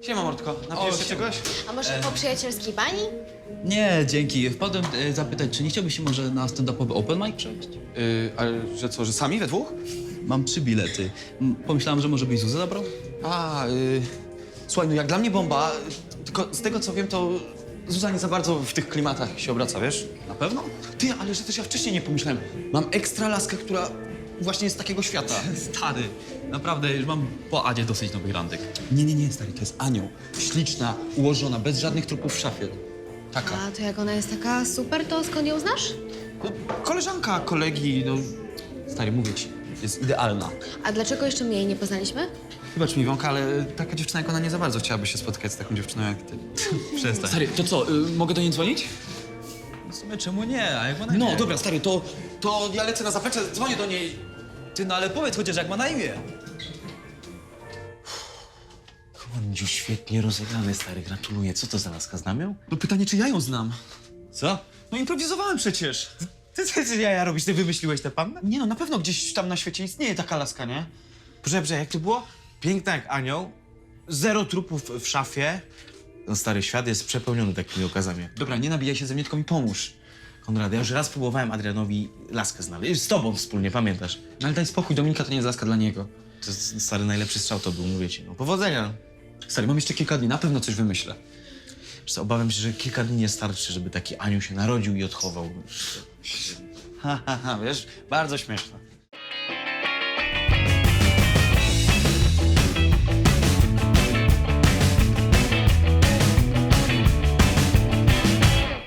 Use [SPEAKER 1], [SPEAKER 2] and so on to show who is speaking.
[SPEAKER 1] Siema, Mordko. Napijesz się czegoś?
[SPEAKER 2] A może po przyjacielskiej bani?
[SPEAKER 3] Nie, dzięki. Wpadłem zapytać, czy nie chciałbyś się może na stand-upowy open mic przejść?
[SPEAKER 1] Ale że co, że sami we dwóch?
[SPEAKER 3] Mam 3 bilety. Pomyślałem, że może byś Zuzę zabrał?
[SPEAKER 1] Słuchaj, no jak dla mnie bomba, tylko z tego co wiem, to Zuza nie za bardzo w tych klimatach się obraca, wiesz?
[SPEAKER 3] Na pewno?
[SPEAKER 1] Ty, ale że też ja wcześniej nie pomyślałem. Mam ekstra laskę, która właśnie jest z takiego świata.
[SPEAKER 3] Stary, naprawdę już mam po Adzie dosyć nowych randek.
[SPEAKER 1] Nie, stary, to jest anioł. Śliczna, ułożona, bez żadnych trupów w szafie. Taka.
[SPEAKER 2] A to jak ona jest taka super, to skąd ją znasz?
[SPEAKER 1] No, koleżanka, kolegi, no... Stary, mówię ci, jest idealna.
[SPEAKER 2] A dlaczego jeszcze my jej nie poznaliśmy?
[SPEAKER 1] Wybacz mi, Iwonka, ale taka dziewczyna jak ona nie za bardzo chciałaby się spotkać z taką dziewczyną jak ty.
[SPEAKER 3] Przestań.
[SPEAKER 1] Stary, to co, mogę do niej dzwonić?
[SPEAKER 3] W sumie czemu nie? A jak ma na
[SPEAKER 1] No,
[SPEAKER 3] imię?
[SPEAKER 1] dobra, stary, to ja lecę na zaplecze, dzwonię do niej.
[SPEAKER 3] Ty, no ale powiedz chociaż jak ma na imię.
[SPEAKER 4] Kondziu, świetnie rozegrany, stary, gratuluję. Co to za laska, znam ją?
[SPEAKER 1] No pytanie, czy ja ją znam?
[SPEAKER 4] Co?
[SPEAKER 1] No improwizowałem przecież.
[SPEAKER 4] Ty jaja robisz? Ty wymyśliłeś tę pannę?
[SPEAKER 1] Nie no, na pewno gdzieś tam na świecie istnieje taka laska, nie?
[SPEAKER 4] Proszę, jak to było? Piękna jak anioł, 0 trupów w szafie. No stary, świat jest przepełniony takimi okazami.
[SPEAKER 1] Dobra, nie nabijaj się ze mnie, tylko mi pomóż.
[SPEAKER 4] Konrad, ja już raz próbowałem Adrianowi laskę znaleźć. Z tobą wspólnie, pamiętasz?
[SPEAKER 1] No ale daj spokój, Dominika to nie jest laska dla niego.
[SPEAKER 4] To jest, stary, najlepszy strzał to był, mówię ci. No, powodzenia.
[SPEAKER 1] Stary, mam jeszcze kilka dni, na pewno coś wymyślę.
[SPEAKER 4] Wiesz co, obawiam się, że kilka dni nie starczy, żeby taki anioł się narodził i odchował.
[SPEAKER 1] Ha, wiesz, bardzo śmieszne.